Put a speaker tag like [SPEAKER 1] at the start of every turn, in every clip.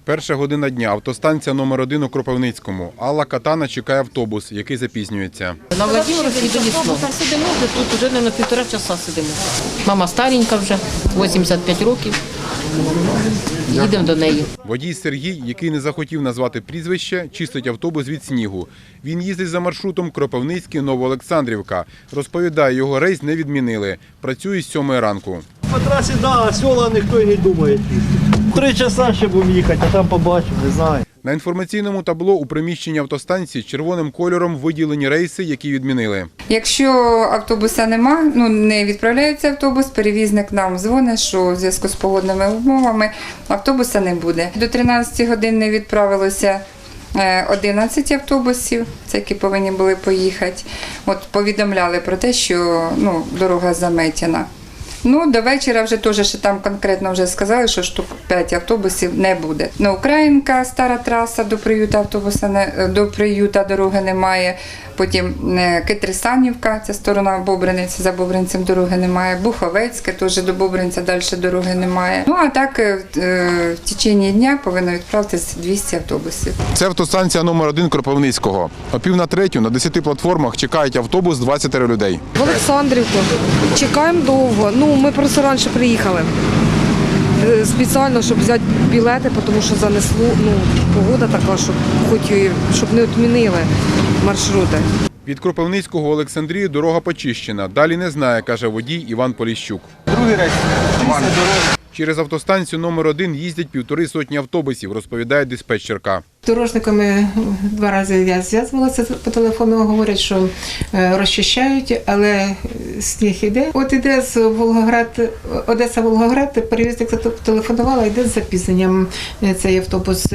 [SPEAKER 1] Перша година дня. Автостанція номер 1 у Кропивницькому. Алла Катана чекає автобус, який запізнюється.
[SPEAKER 2] На Владимировській до Лісного. Сидимо вже тут, вже на півтора часа сидимо. Мама старенька вже, 85 років. Їдемо до неї.
[SPEAKER 1] Водій Сергій, який не захотів назвати прізвище, чистить автобус від снігу. Він їздить за маршрутом Кропивницький-Новоолександрівка. Розповідає, його рейс не відмінили. Працює з 7 ранку.
[SPEAKER 3] По трасі, да, села ніхто і не думає. 3 часа ще будемо їхати, а там побачимо, не знаю.
[SPEAKER 1] На інформаційному табло у приміщенні автостанції червоним кольором виділені рейси, які відмінили.
[SPEAKER 4] Якщо автобуса нема, не відправляється автобус, перевізник нам дзвонить, що у зв'язку з погодними умовами автобуса не буде. До 13 годин не відправилося 11 автобусів, це які повинні були поїхати. От повідомляли про те, що дорога заметена. До вечора вже теж ще там конкретно вже сказали, що штук 5 автобусів не буде. Українка, стара траса до приюта дороги немає. Потім Китрисанівка, це сторона Бобринець, за Бобринцем дороги немає. Буховецьке, теж до Бобринця далі дороги немає. А так в течение дня повинно відправитися 200 автобусів.
[SPEAKER 1] Це автостанція номер 1 Кропивницького. О 2:45 на 10 платформах чекають автобус 20 людей.
[SPEAKER 5] В Олександрівку. Чекаємо довго. Ми просто раніше приїхали. Спеціально, щоб взяти білети, тому що занесло, погода така, щоб не відмінили маршрути.
[SPEAKER 1] Від Кропивницького в Олександрію дорога почищена. Далі не знає, каже водій Іван Поліщук.
[SPEAKER 3] Другий рейс.
[SPEAKER 1] Через автостанцію номер 1 їздять 1,5 сотні автобусів, розповідає диспетчерка.
[SPEAKER 6] З дорожниками 2 рази я зв'язувалася по телефону, говорять, що розчищають, але сніг іде. От іде з Одеса-Волгоград, перевізник зателефонувала, йде з запізненням цей автобус.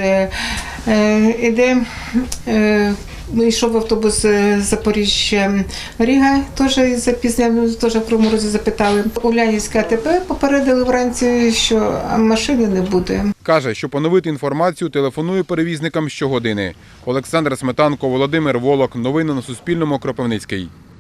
[SPEAKER 6] Йшов автобус Запоріжжя-Ріга, теж із запізненням, теж в Кривому Розі запитали. Улянівське АТП попередили вранці, що машини не буде.
[SPEAKER 1] Каже, що поновити інформацію телефонує перевізникам щогодини. Олександр Сметанко, Володимир Волок. Новини на Суспільному. Кропивницький.